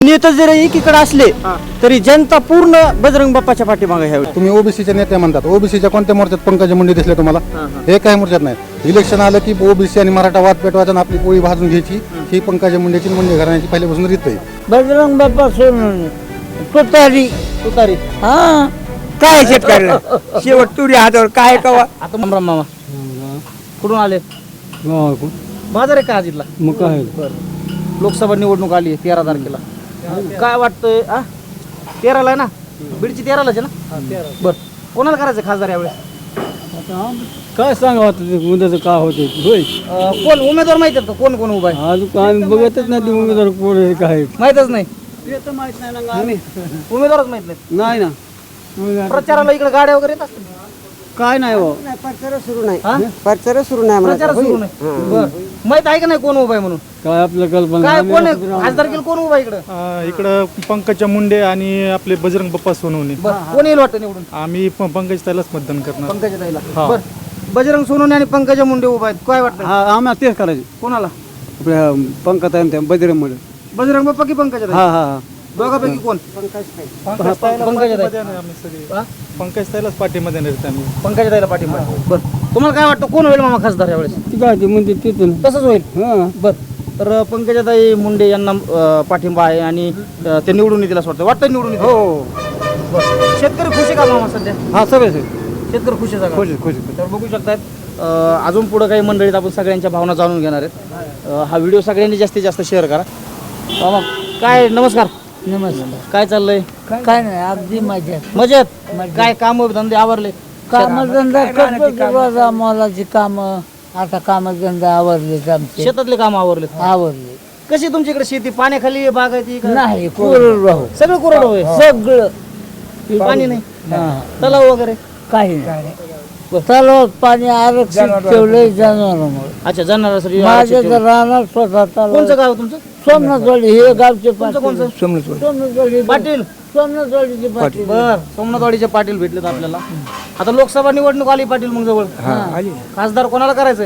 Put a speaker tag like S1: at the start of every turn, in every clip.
S1: नेते जरी एकीकडे असले तरी जनता पूर्ण बजरंग बाप्पाच्या पाठीमागे ह्यावेळी.
S2: तुम्ही ओबीसीचे नेते म्हणतात, ओबीसीच्या कोणत्या मोर्चात पंकजा मुंडे दिसले तुम्हाला? हे काही मोर्चात नाही. इलेक्शन आलं की ओबीसी आणि मराठा वाद पेटवायचा आणि आपली पोळी भाजून घ्यायची, ही पंकजा मुंडेची मुंडे घराण्याची पहिल्यापासून रीत आहे.
S3: बजरंग बाप्पा सोडून तुतारी
S1: तुतारी.
S3: हा
S4: काय शेतकऱ्याला शेवट तुरी हातावर काय कवा.
S1: आता मामा कुठून आले? बाजार आहे का आज इथला?
S3: मग काय
S1: लोकसभा निवडणूक आली 13 तारखेला. काय वाटतंय? 13ला आहे ना? बीडची 13लाच आहे ना? बर, कोणाला करायचं खासदार यावेळेस?
S3: काय सांगा उद्याचं काय होते होय
S1: कोण उमेदवार माहिती आहेत का? कोण कोण उभा आहे?
S3: आज आम्ही बघतच नाही ते उमेदवार कोण आहे काय
S1: माहितच नाही.
S3: माहित नाही ना आम्ही
S1: उमेदवारच माहित नाही.
S3: नाही ना
S1: प्रचाराला इकडे गाड्या वगैरे येत असतील.
S3: काय नाही हो
S5: प्रचार सुरू नाही
S1: हा?
S5: प्रचार सुरू नाही म्हणा.
S1: प्रचार सुरू नाही. बर, माहित आहे का नाही कोण उभा आहे म्हणून?
S3: काय आपल्या कल्पना
S1: काय कोण आहे खासदार केलं? कोण उभा आहे इकडं?
S6: इकडं पंकजा मुंडे आणि आपले बजरंग बाप्पा सोनवणे.
S1: बर, कोण येईल वाटतं निवडून?
S6: आम्ही पंकज ताईलाच मतदान करणार.
S1: पंकजा ताईला. बर, बजरंग सोनवणे आणि पंकजा मुंडे उभा आहेत. काय वाटतं
S3: आम्हाला तेच करायचे
S1: कोणाला?
S3: आपल्या पंकज आहे बजरंग मध्ये
S1: बजरंग बाप्पा की पंकजा ताई?
S3: हा हा
S1: दोघांपैकी कोण?
S6: पंकज
S1: पंकजा ताई.
S6: आम्ही सगळे
S1: हा?
S6: पंकज ताईलाच पाठीमध्ये नेत आम्ही.
S1: पंकजा ताईला पाठिंबा. बर, तुम्हाला काय वाटतं कोण होईल मामा खासदार यावेळेस?
S3: ती काय ते म्हणते तिथून
S1: तसंच होईल.
S3: हा
S1: बर, तर पंकजाताई मुंडे यांना पाठिंबा आहे आणि ते निवडून येतील असं वाटतं. वाटतं निवडून येतील?
S3: हो
S1: बरं. शेतकरी खुश आहे का मामा सध्या?
S3: हा सगळे
S1: शेतकरी खुश आहे
S3: खुश
S1: सगळं?
S3: खुश
S1: तर बघू शकतात अजून पुढे काही मंडळीत आपण सगळ्यांच्या भावना जाणून घेणार आहेत. हा व्हिडिओ सगळ्यांनी जास्तीत जास्त शेअर करा. मामा काय, नमस्कार.
S3: नमस्कार
S1: काय चाललंय?
S3: काय नाही अगदी मजा
S1: मजेत? काय काम धंदे आवरले?
S3: कामधंदा करतो मोलाची काम आता कामधंदा आवरलेत आमचे
S1: शेतातले काम आवरले?
S3: आवरले
S1: कशी तुमच्या इकडे शेती? पाण्याखाली बाग आहे ती का?
S3: नाही कोरडवाहू
S1: सगळं कोरडं होय?
S3: सगळं
S1: पाणी नाही?
S3: हा.
S1: तलाव वगैरे?
S3: काही नाही तलावात पाणी आरक्षित ठेवलंय जनावरांमुळे
S1: अच्छा, जनावरांसाठी
S3: माझ्या
S1: आरक्षित ठेवलं.
S3: राहणार स्वतः तलाव
S1: कोणचं गाव तुमचं?
S3: सोमनाथवाडी हे गावचे
S1: तुमचं कोणचं?
S3: सोमनाथवाडी
S1: पाटील.
S3: सोमनाथवाडीचे पाटील
S1: बर, सोमनाथवाडीचे पाटील भेटलेत आपल्याला. आता लोकसभा निवडणूक आली पाटील मग जवळ. खासदार कोणाला करायचंय?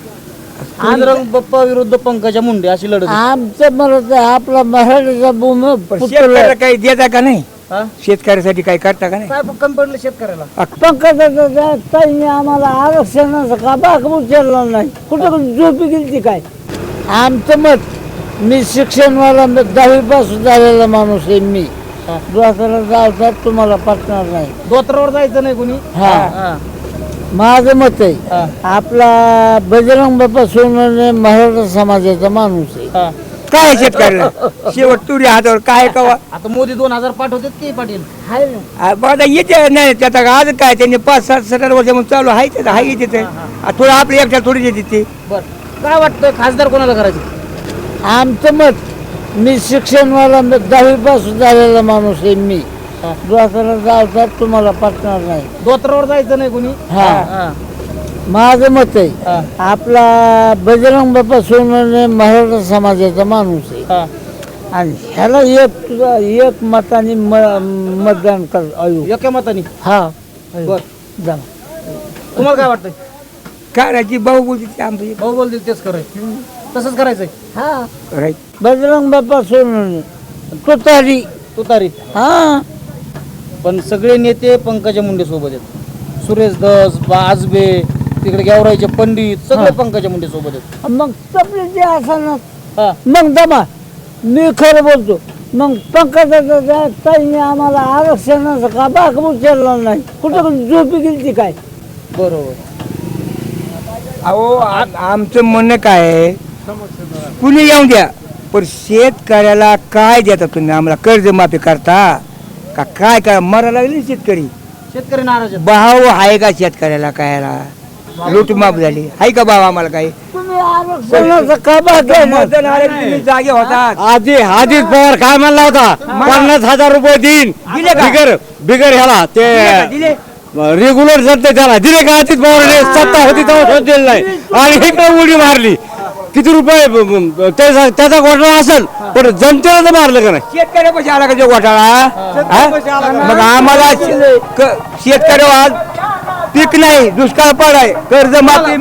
S1: बजरंग बाप्पा विरुद्ध पंकजा मुंडे अशी लढत आहे.
S3: आमचं मरत आपला मराठीचा भूम
S4: शेतकऱ्याला काही देता का नाही?
S1: हा?
S4: शेतकऱ्यासाठी काही करता का नाही?
S1: काय कमी पडलं शेतकऱ्याला?
S3: पंकजाचा ताईने आम्हाला आरक्षणाचा का बाग उचलला नाही कुठं झोपी गेली काय आमचं मत मी शिक्षणवाला 10वी पासून झालेला माणूस आहे मी दुसऱ्याला जायचं तुम्हाला पटणार नाही
S1: दोतरावर जायचं नाही कोणी.
S3: हा
S1: हा.
S3: माझं मत आहे
S1: हा.
S3: आपला बजरंग बाप्पा सोनवणे मराठा समाजाचा माणूस आहे
S1: हा.
S4: काय शेतकऱ्याला शेवट तुरी हातावर काय कवा.
S1: आता मोदी 2000 पाठवतात की पाटील?
S3: आहे ना
S4: बघा येते नाही त्याचा आज काय त्यांनी 5-7 वर्ष म्हणून चालू आहे त्याचा हाय येते थोडं आपल्या एकट्या थोडी येते ते.
S1: बर, काय वाटतं खासदार कोणाला करायचं?
S3: आमचं मत मी शिक्षणवाला 10वी पासून झालेला माणूस आहे मी दुसऱ्याला जायचं तुम्हाला पटणार नाही
S1: दोतरावर जायचं नाही कोणी.
S3: हा.
S1: हा.
S3: माझं मत आहे
S1: हा.
S3: आपला बजरंग बाप्पा सोनवणे मराठा समाजाचा माणूस आहे
S1: हा.
S3: आणि ह्याला एक मताने मतदान कर अयो
S1: एका मताने?
S3: हा
S1: बर,
S3: जा
S1: तुम्हाला काय वाटतंय?
S4: करायची भाऊ बोलते आमची
S1: भाऊ बोलतील तेच कराय, तसंच करायचंय.
S3: हा
S4: राईट.
S3: बजरंग बाप्पा सोनवणे तुतारी
S1: तुतारी.
S3: हा
S1: पण सगळे नेते पंकजा मुंडे सोबत आहेत. सुरेश धस, आजबे, तिकडे गेवराईचे पंडित सगळे पंकजा मुंडे सोबत आहेत.
S3: मग तपले जे असणार
S1: हा.
S3: मग दमा मी खरं बोलतो मग पंकजाचा ताईने आम्हाला आरक्षणाचा का बाग उचलला नाही कुठं झोपी गेली ती काय
S1: बरोबर.
S4: अहो आमचं म्हणणं काय आहे कुणी येऊन द्या पण शेतकऱ्याला काय देता तुम्ही आम्हाला कर्जमाफी करता का काय काय मरायला लागले शेतकरी.
S1: शेतकरी नाराज आहेत.
S4: भाव आहे का शेतकऱ्याला कायला लूटमाप झाली आहे का भाव आम्हाला काही
S3: तुम्ही आरक्षणाचा का बाग
S4: मतदान आले की तुम्ही जागे होतात.
S7: आधीच पवार काय म्हणला होता 50,000 रुपये देईन
S4: दिले का?
S7: बिगर ह्याला ते
S4: दिले
S7: रेग्युलर जाते त्याला दिले का अजित पवारने सत्ता होती तेव्हा दिलं नाही आणि इकडे उडी मारली किती रुपये त्याचा घोटाळा असेल पण जनतेला तर मारलं का नाही
S4: शेतकऱ्यापाशी आला का जो घोटाळा हा? मग आम्हाला शेतकरी आज पीक नाही, दुष्काळ पडाय, कर्ज माफी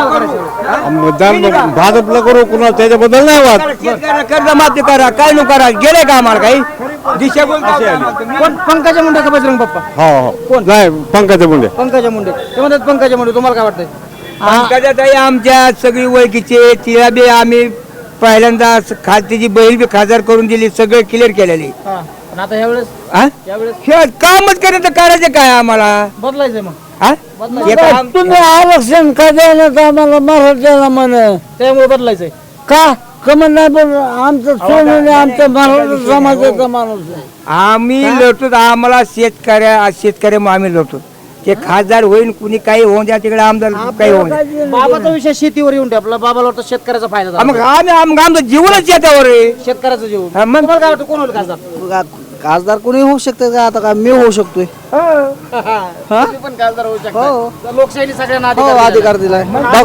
S7: मतदान भाजपला करू कुणा त्याच्याबद्दल नाही वाद.
S4: कर्ज माफी करा, काय नको करा, गेले का आम्हाला काही दिशा
S1: कोण पंकजा मुंडे का बजरंग बाप्पा?
S7: हो हो नाही पंकजा मुंडे.
S1: पंकजा मुंडे ते म्हणतात पंकजा मुंडे. तुम्हाला काय वाटतंय?
S4: पंकजाताई आमच्या सगळी ओळखीचे, तिला बी आम्ही पहिल्यांदा तिची बहीण बी खासदार करून दिली, सगळं क्लिअर केलेली.
S1: पण आता ह्यावेळेस यावेळेस
S4: हे कामच करायचं, करायचं काय आम्हाला
S1: बदलायचंय मग.
S4: हा? हे काम-
S3: तुम्ही आरक्षण का देण्यात आम्हाला मराठ्याला म्हण
S1: त्यामुळे बदलायचंय.
S3: का कमन नाही बोल आमचं सोडून आमच्या मराठा समाजाचा माणूस आहे.
S4: आम्ही लढतो, आम्हाला शेतकऱ्या आम्ही लढतो. ते खासदार होईल, कुणी काही होऊन द्या, तिकडे आमदार काही होऊन द्या.
S1: बाबाचा विषय शेतीवर येऊन ठेपला. बाबाला वाटतं शेतकऱ्याचा फायदा झाला.
S4: मग आमचं जीवनच याच्यावर आहे.
S1: शेतकऱ्याचं जीवन.
S4: हा, मग
S1: तुम्हाला काय वाटतं कोण होईल खासदार?
S5: खासदार कोणी होऊ शकते का? आता का मी होऊ शकतोय.
S1: तुम्ही पण खासदार होऊ शकता. लोकशाही सगळ्यांना
S5: हो अधिकार दिलाय.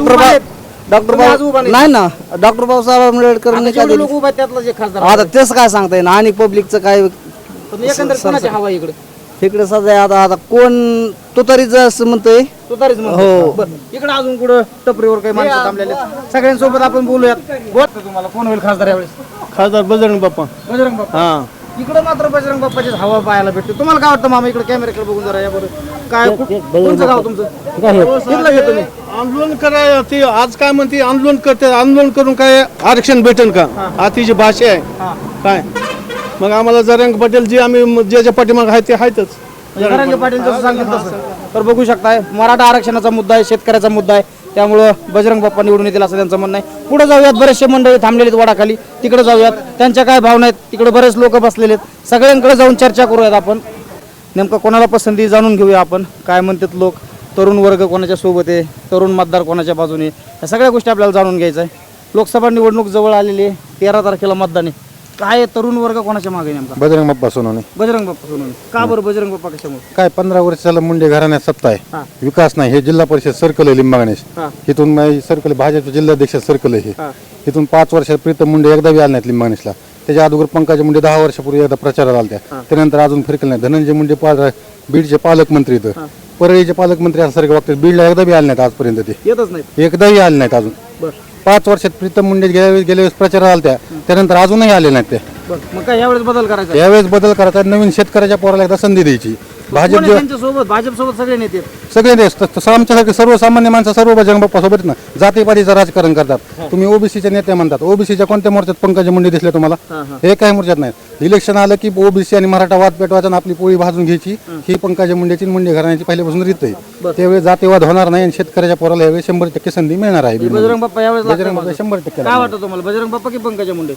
S5: डॉक्टर
S1: तुम्ही आज उभा
S5: भाऊ
S1: नाही.
S5: नाही ना, डॉक्टर बाबासाहेब आंबेडकरांनी काय
S1: जेवढे
S5: दिलं?
S1: लोक उभे आहेत त्यातलं जे खासदार
S5: आता तेच काय सांगता येईल आणि पब्लिकचं काय
S1: पण एकंदरीत कोणाची हवा आहे इकडे?
S5: इकडे सध्या आता कोण तो तरीच असं म्हणतोय.
S1: तो तरीच
S5: हो.
S1: इकडे अजून कुठं टपरीवर काही माणसं थांबलेले आहेत. सगळ्यांसोबत आपण बोलूयात. बोल तुम्हाला कोण होईल खासदार यावेळेस?
S6: खासदार बजरंग बाप्पा.
S1: बजरंग बाप्पा. इकडे मात्र बजरंग बाप्पाचीच हवा पाहायला भेटते. तुम्हाला काय वाटतं मामा? इकडे कॅमेऱ्याकडे बघून जरा या बरं. काय कोणचं गाव तुमचं? इथलं घेतो तुम्ही.
S6: आंदोलन कराय ते आज काय म्हणते, आंदोलन करते, आंदोलन करून काय आरक्षण भेटेल का? आतीची भाषा आहे काय? मग आम्हाला जरंग पटेल जे आम्ही ज्याच्या पाठीमाग आहे ते आहेतच.
S1: जरांगे पाटील जसं सांगितलं तसं. तर बघू शकताय मराठा आरक्षणाचा मुद्दा आहे, शेतकऱ्याचा मुद्दा आहे. त्यामुळं बजरंग बाप्पा निवडून येतील असं त्यांचं म्हणणं आहे. पुढे जाऊयात. बरेचसे मंडळी थांबलेले आहेत वडाखाली. तिकडे जाऊयात. त्यांच्या काय भावना आहेत तिकडे बरेच लोक बसलेले आहेत. सगळ्यांकडे जाऊन चर्चा करूयात आपण. नेमकं कोणाला पसंती जाणून घेऊया आपण. काय म्हणतात लोक, तरुण वर्ग कोणाच्या सोबत आहे, तरुण मतदार कोणाच्या बाजूने, या सगळ्या गोष्टी आपल्याला जाणून घ्यायचं आहे. लोकसभा निवडणूक जवळ आलेली आहे. 13 तारखेला मतदान आहे. काय तरुण वर्ग कोणाच्या मागे आहे नेमका?
S2: बजरंग बाप्पा सोनवणे.
S1: बजरंग बाप्पा सोनवणे. का बरं बजरंग बाप्पा कशामुळे?
S2: काय 15 वर्ष झालं मुंडे घराण्यात सत्ता आहे, विकास नाही. हे जिल्हा परिषद सर्कल आहे लिंबगणेश. इथून सर्कल भाजपचे जिल्हाध्यक्ष सर्कल आहे हे. इथून 5 वर्षात प्रीतम मुंडे एकदा बी आले नाहीत लिंबगणेशला. त्याच्या अगोदर पंकजा मुंडे 10 वर्षापूर्वी एकदा प्रचाराला आल्या. त्यानंतर अजून फिरकले नाही. धनंजय मुंडे बीडचे पालकमंत्री इथं, परळीचे पालकमंत्री असल्यासारखे वागतात. बीडला एकदा बी आले नाहीत आजपर्यंत. ते
S1: येतच नाही.
S2: एकदाही आले नाहीत अजून. 5 वर्षात प्रीतम मुंडे गेल्या वेळेस प्रचाराला आल्या, त्यानंतर अजूनही आले नाहीत ते.
S1: मग काय यावेळेस बदल करायचा?
S2: यावेळेस बदल करायचा. नवीन शेतकऱ्याच्या पोराला एकदा संधी द्यायची. भाजप
S1: त्यांच्यासोबत भाजपसोबत सगळे नेते आहेत.
S2: सगळे देश आमच्यासारखे सर्वसामान्य माणसं सर्व बजरंग बाप्पा सोबत ना जातीपातीचं राजकारण करतात. तुम्ही ओबीसीचे नेते म्हणतात. ओबीसीच्या कोणत्या मोर्चात पंकजा मुंडे दिसले तुम्हाला? हे काही मोर्चात नाही. इलेक्शन आलं की ओबीसी आणि मराठा वाद पेटवायचा आणि आपली पोळी भाजून घ्यायची. ही पंकजा मुंडेची मुंडे घराण्याची पहिल्यापासून रीत आहे. त्यावेळी जातीवाद होणार नाही आणि शेतकऱ्याच्या पोराला यावेळी 100% संधी मिळणार आहे.
S1: बजरंग बाप्पा यावेळेस
S2: बजरंग बाप्पा 100%
S1: काय वाटतं तुम्हाला? बजरंग बाप्पा की पंकजा मुंडे?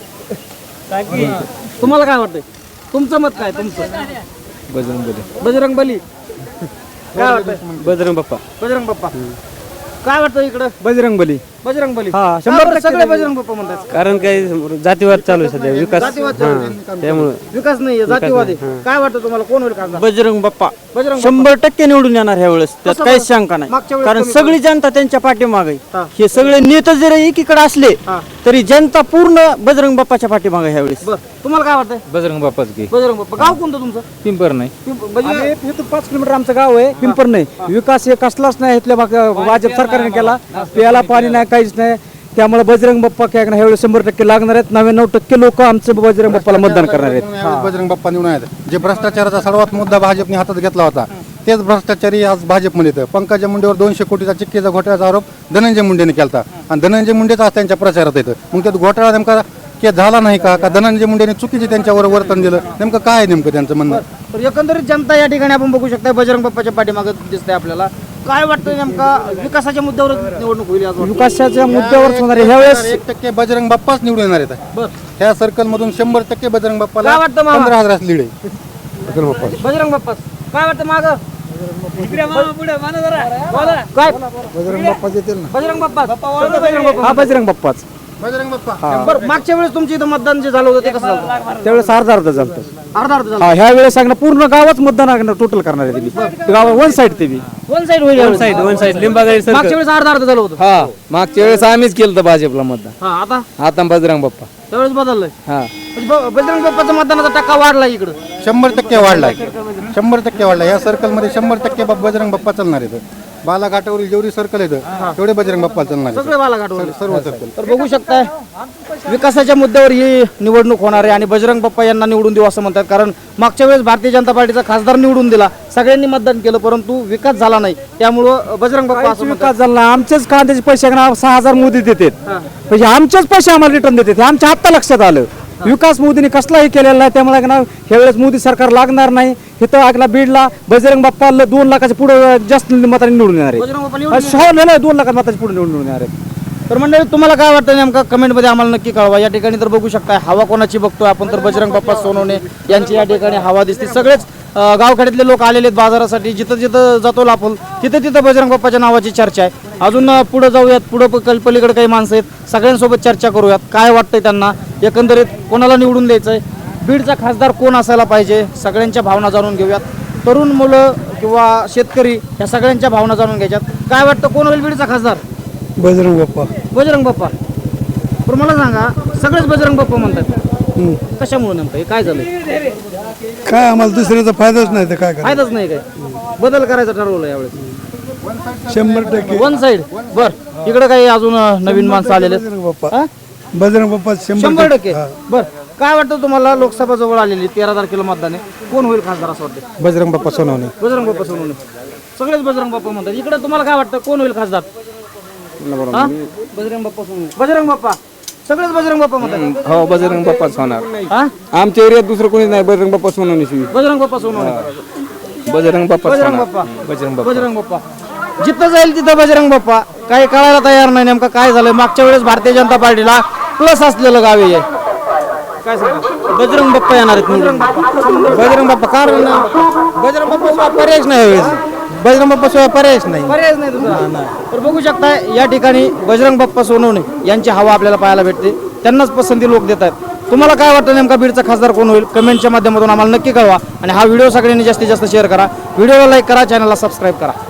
S1: तुम्हाला काय वाटतंय? तुमचं मत काय? तुमचं बजरंग बली. काय वाटतंय?
S7: बजरंग बाप्पा.
S1: बजरंग बाप्पा. काय वाटतं इकडं?
S7: बजरंग बली.
S1: बजरंग बली.
S7: हा,
S1: का बरं सगळे बजरंग बाप्पा म्हणतात?
S7: कारण काही जातीवाद चालू आहे सध्या, विकास
S1: जातीवाद चालू आहे.
S7: त्यामुळे
S1: विकास नाहीये, जातीवाद आहे. काय वाटतं तुम्हाला कोण होईल खासदार?
S8: बजरंग बाप्पा
S1: बजरंग
S8: 100% निवडून येणार ह्या वेळेस, त्यात
S1: कसं
S8: काहीच
S1: बरं?
S8: शंका नाही.
S1: मागच्या वेळेस
S8: कारण
S1: कमी
S8: सगळी जनता त्यांच्या पाठीमागे
S1: हा.
S8: आहे. हे सगळे नेते जरी एकीकडे असले तरी जनता पूर्ण बजरंग बाप्पाच्या पाठीमागे आहे ह्या वेळेस.
S1: बरं तुम्हाला काय वाटतंय?
S7: बजरंग बाप्पाच की
S1: बजरंग बाप्पा. गाव कोणतं तुमचं?
S7: पिंपर नाही.
S8: इथून 5 किलोमीटर आमचं गाव आहे पिंपर. नाही विकास हे कसलाच नाही इथल्या भाजप सरकारने केला. प्यायला पाणी नाही, काहीच नाही. त्यामुळे बजरंग बाप्पा काय ह्या वेळेस 100% लागणार आहेत. 99% लोक आमचे बजरंग बाप्पाला मतदान करणार आहेत.
S2: यावेळेस बजरंग बाप्पा निवडून आहेत. जे भ्रष्टाचाराचा सर्वात मुद्दा भाजपने हातात घेतला होता, तेच भ्रष्टाचारी आज भाजपमध्ये येतं. पंकजा मुंडेवर 200 कोटीचा चिक्कीचा घोटाळ्याचा आरोप धनंजय मुंडेने केला आणि धनंजय मुंडेच आज त्यांच्या प्रचारात येतं. मग त्यात घोटाळा नेमका केस झाला नाही का धनंजय मुंडेने चुकीचे त्यांच्यावर वर्तन दिलं? नेमकं काय आहे नेमकं त्यांचं म्हणणं?
S1: तर एकंदरीत जनता या ठिकाणी आपण बघू शकता बजरंग बाप्पाच्या पाठीमागे दिसतंय आपल्याला. काय वाटतं नेमका विकासाच्या मुद्द्यावर निवडणूक होईल आज?
S8: विकासाच्या मुद्द्यावर होणार आहे ह्या वेळेस.
S2: 1% बजरंग बाप्पाच निवडून येणार आहेत.
S1: बरं
S2: ह्या सर्कल मधून 100% बजरंग बाप्पाला
S1: काय वाटतं मामा?
S2: 15,000 लीड आहे.
S1: बजरंग बाप्पा. काय वाटतं माग? काय
S2: बजरंग बाप्पा येतील ना.
S1: बजरंग बाप्पा. बजरंग बाप्पा.
S8: हा बजरंग बाप्पाच.
S2: बजरंग बाप्पा
S1: बरं मागच्या वेळेस तुमच्या इथं मतदान जे झालं होतं ते कसं झालं?
S8: त्यावेळेस अर्धा झालं.
S1: अर्धा अर्ध झालं
S8: हा ह्या वेळेस सांगणार पूर्ण गावच मतदान टोटल करणार आहे ते गाव वन साईड ते
S1: वन साईड होईल यावेळेस.
S7: वन साईड लिंबागडी
S1: मागच्या वेळेस अर्धा अर्ध झालं होतं
S7: हा मागच्या वेळेस आम्हीच केलं होतं भाजपला मतदान.
S1: हा आता
S7: आता बजरंग बाप्पा.
S1: त्यावेळेस बदललंय
S7: हा
S1: म्हणजे बजरंग बाप्पाचा मतदानाचा टक्का वाढला इकडं.
S2: 100% वाढलाय 100% वाढला. या सर्कलमध्ये 100% बजरंग बाप्पा चालणार आहेत. बालाघाटावरील जेवढी सर्कल आहेत तेवढे बजरंग बाप्पा चालणार आहेत.
S1: सगळे बालाघाटवर
S2: सर्व सर्कल.
S1: तर बघू शकताय विकासाच्या मुद्द्यावर ही निवडणूक होणार आहे आणि बजरंग बाप्पा यांना निवडून देऊ असं म्हणतात. कारण मागच्या वेळेस भारतीय जनता पार्टीचा खासदार निवडून दिला, सगळ्यांनी मतदान केलं, परंतु विकास झाला नाही. त्यामुळं बजरंग बाप्पा असं म्हणतात.
S8: विकास झाला आमचेच कांद्याचे पैसे 6,000 मोदी देतात म्हणजे आमचेच पैसे आम्हाला रिटर्न देतात. आमच्या आत्ता लक्षात आलं विकास मोदींनी कसलाही केलेला नाही. त्यामुळे ह्यावेळेस मोदी सरकार लागणार नाही. इथं बीडला बजरंग बाप्पा 2 लाखाच्या पुढे जास्त मतांनी निवडून येणार आहे.
S1: बजरंग बाप्पा निवडून
S8: नाही 2 लाखाच्या मताच्या पुढे निवडून येणार आहे.
S1: तर मंडळी तुम्हाला काय वाटतं नेमका कमेंटमध्ये आम्हाला नक्की कळवा. या ठिकाणी तर बघू शकताय हवा कोणाची बघतोय आपण, तर बजरंग बाप्पा सोनवणे यांची या ठिकाणी हवा दिसते. सगळेच गावखेड्यातले लोक आलेले आहेत बाजारासाठी. जिथं जिथं जातो आपण तिथं बजरंग बाप्पाच्या नावाची चर्चा आहे. अजून पुढे जाऊयात, पुढं पलीकडे काही माणसं आहेत, सगळ्यांसोबत चर्चा करूयात. काय वाटतंय त्यांना, एकंदरीत कोणाला निवडून द्यायचंय, बीडचा खासदार कोण असायला पाहिजे, सगळ्यांच्या भावना जाणून घेऊयात. तरुण मुलं किंवा शेतकरी या सगळ्यांच्या भावना जाणून घ्यायच्यात. काय वाटतं कोण होईल बीडचा खासदार?
S6: बजरंग बाप्पा.
S1: बजरंग बाप्पा. पण मला सांगा सगळेच बजरंग बाप्पा म्हणतात, कशामुळे नेमकं हे काय झालं?
S6: काय आम्हाला दुसऱ्याचा फायदाच नाही तर काय
S1: फायदाच नाही काय? बदल करायचं ठरवलं यावेळेस
S6: 100%
S1: वन साईड. बर इकडे काही अजून नवीन माणसं आलेले आहेत?
S6: बाप्पा.
S1: हा?
S6: बजरंग बाप्पा
S1: 100%. बर काय वाटतं तुम्हाला, लोकसभा जवळ आलेली 13 तारखेला मतदान आहे, कोण होईल खासदार असं वाटतं?
S2: बजरंग बाप्पा सोनवणे.
S1: बजरंग बाप्पा सोनवणे. सगळेच बजरंग बाप्पा म्हणतात. इकडे तुम्हाला काय वाटतं कोण होईल खासदार? हा? बजरंग बाप्पा सोनवणे. बजरंग बाप्पा. सगळेच बजरंग बाप्पा म्हणतात.
S7: हो बजरंग बाप्पाच होणार.
S1: हा?
S7: आमच्या एरियात दुसरं कोणीच नाही. बजरंग बाप्पा सोनवणे शिवी.
S1: बजरंग बाप्पा सोनवणे.
S7: बजरंग बाप्पा
S1: बजरंग बाप्पा.
S7: बजरंग बाप्पा.
S1: बजरंग बाप्पा. जिथं जाईल तिथं बजरंग बाप्पा. काही कळायला तयार नाही नेमकं काय झालं. मागच्या वेळेस भारतीय जनता पार्टीला प्लस असलेलं गाव आहे. काय सांगा? बजरंग बाप्पा येणार आहेत निवडून.
S2: बजरंग बाप्पा कारण बजरंग बाप्पा पर्यायच नाही. बजरंग बाप्पा शिवाय पर्यायच नाही.
S1: पर्यायच नाही तुझा. तर बघू शकता या ठिकाणी बजरंग बाप्पा सोनवणे यांची हवा आपल्याला पाहायला भेटते. त्यांनाच पसंती लोक देत आहेत. तुम्हाला काय वाटतं नेमका बीडचा खासदार कोण होईल? कमेंटच्या माध्यमातून आम्हाला नक्की कळवा आणि हा व्हिडिओ सगळ्यांनी जास्तीत जास्त शेअर करा. व्हिडिओला लाईक करा, चॅनलला सबस्क्राईब करा.